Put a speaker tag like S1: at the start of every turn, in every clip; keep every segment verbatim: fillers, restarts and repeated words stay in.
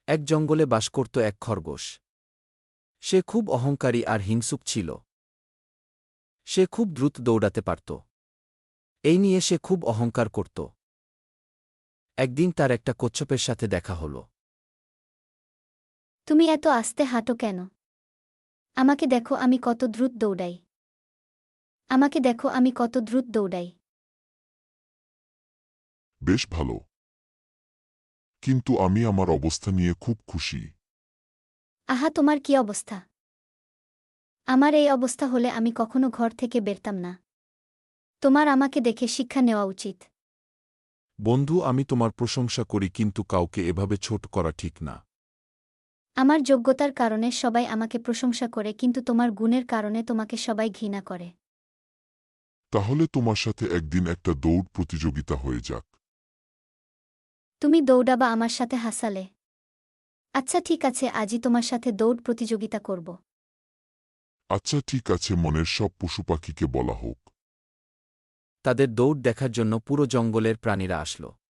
S1: এক জঙ্গলে বাস করত এক খরগোশ। সে খুব অহংকারী আর হিংসুক ছিল। সে খুব দ্রুত দৌড়াতে পারত। এই নিয়ে সে খুব অহংকার করত। একদিন তার একটা কচ্ছপের সাথে দেখা হল।
S2: তুমি এত আস্তে হাঁটো কেন? আমাকে দেখো আমি কত দ্রুত দৌড়াই। আমাকে দেখো আমি কত দ্রুত দৌড়াই।
S3: বেশ ভালো, কিন্তু আমি আমার অবস্থা নিয়ে খুব খুশি।
S2: আহা, তোমার কি অবস্থা? আমার এই অবস্থা হলে আমি কখনো ঘর থেকে বেরতাম না। তোমার আমাকে দেখে শিক্ষা নেওয়া উচিত।
S3: বন্ধু, আমি তোমার প্রশংসা করি, কিন্তু কাউকে এভাবে ছোট করা ঠিক না।
S2: আমার যোগ্যতার কারণে সবাই আমাকে প্রশংসা করে, কিন্তু তোমার গুণের কারণে তোমাকে সবাই ঘৃণা করে।
S3: তাহলে তোমার সাথে একদিন একটা দৌড় প্রতিযোগিতা হয়ে যাক।
S2: তুমি দৌড়াবা আমার সাথে হাসালে? আচ্ছা ঠিক আছে, আজই তোমার সাথে দৌড় প্রতিযোগিতা করব।
S3: আচ্ছা ঠিক আছে, মনের সব পশু পাখিকে বলা হোক।
S1: তাদের দৌড় দেখার জন্য পুরো জঙ্গলের প্রাণীরা আসল।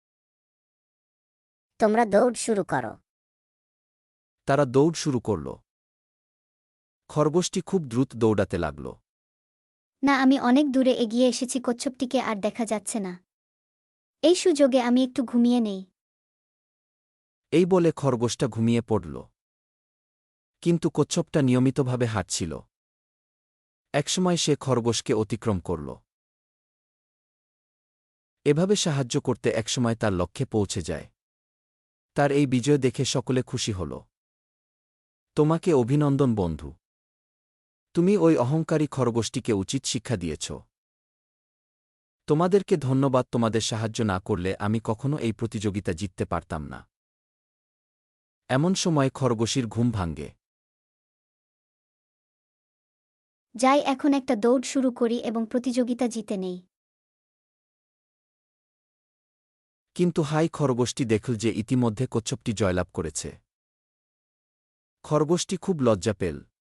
S4: তোমরা দৌড় শুরু করো।
S1: তারা দৌড় শুরু করল। খরগোশটি খুব দ্রুত দৌড়াতে লাগল।
S2: না, আমি অনেক দূরে এগিয়ে এসেছি, কচ্ছপটিকে আর দেখা যাচ্ছে না। এই সুযোগে আমি একটু ঘুমিয়ে নেই।
S1: এই বলে খরগোশটা ঘুমিয়ে পড়ল। কিন্তু কচ্ছপটা নিয়মিতভাবে হাঁটছিল। একসময় সে খরগোশকে অতিক্রম করল। এভাবে সাহায্য করতে একসময় তার লক্ষ্যে পৌঁছে যায়। তার এই বিজয় দেখে সকলে খুশি হল। তোমাকে অভিনন্দন বন্ধু। তুমি ওই অহংকারী খরগোশটিকে উচিত শিক্ষা দিয়েছ। তোমাদেরকে ধন্যবাদ, তোমাদের সাহায্য না করলে আমি কখনো এই প্রতিযোগিতা জিততে পারতাম না। এমন সময় খরগোশীর ঘুম ভাঙ্গে।
S2: যাই, এখন একটা দৌড় শুরু করি এবং প্রতিযোগিতা জিতে নেই।
S1: কিন্তু হাই, খরগোশটি দেখল যে ইতিমধ্যে কচ্ছপটি জয়লাভ করেছে। খরগোশটি খুব লজ্জা পেল।